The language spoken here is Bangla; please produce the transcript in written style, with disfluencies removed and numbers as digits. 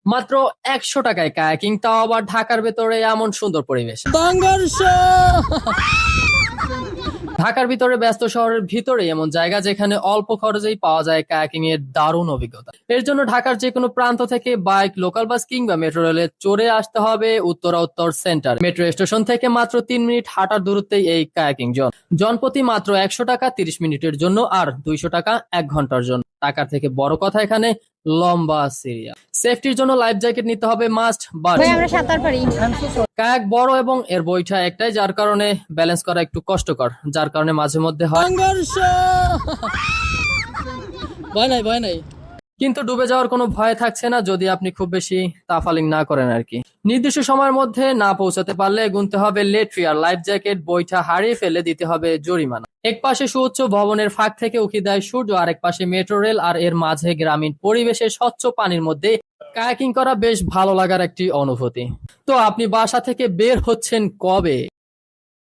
মাত্র 100 টাকায় কায়াকিং, তাও আবার ঢাকার ভেতরে এমন সুন্দর পরিবেশ। ঢাকার ভিতরে ব্যস্ত শহরের ভিতরে এমন জায়গা যেখানে অল্প খরচেই পাওয়া যায় কায়াকিং এর দারুণ অভিজ্ঞতা। এর জন্য ঢাকার যে কোনো প্রান্ত থেকে বাইক, লোকাল বাস কিংবা মেট্রো রেলে চড়ে আসতে হবে উত্তরা উত্তর সেন্টার। মেট্রো স্টেশন থেকে মাত্র 3 মিনিট হাঁটার দূরত্বেই এই কায়াকিং জোন। জনপ্রতি মাত্র 100 টাকা 30 মিনিটের জন্য, আর 200 টাকা 1 ঘন্টার জন্য। টাকার থেকে বড় কথা এখানে লম্বা সিরিয়া। সেফটির জন্য লাইফ জ্যাকেট নিতে হবে মাস্ট, বাট আমরা সাঁতার পারি। কায়াক বড় এবং এর বইটা একটাই, যার কারণে ব্যালেন্স করা একটু কষ্টকর, যার কারণে মাঝে মধ্যে হয় ভয় নাই। কিন্তু ডুবে যাওয়ার কোনো ভয় থাকছে না যদি আপনি খুব বেশি তাফালিং না করেন আর কি। নির্দিষ্ট সময়ের মধ্যে না পৌঁছাতে পারলে গুনতে হবে লেট ফি, আর লাইফ জ্যাকেট বইটা হারিয়ে ফেলে দিতে হবে জরিমানা। এক পাশে সুউচ্চ ভবনের ফাঁক থেকে উঁকি দেয় সূর্য, আর এক পাশে মেট্রো রেল, আর এর মাঝে গ্রামীণ পরিবেশে স্বচ্ছ পানির মধ্যে কায়াকিং করা বেশ ভালো লাগার একটি অনুভূতি। তো আপনি বাসা থেকে বের হচ্ছেন কবে?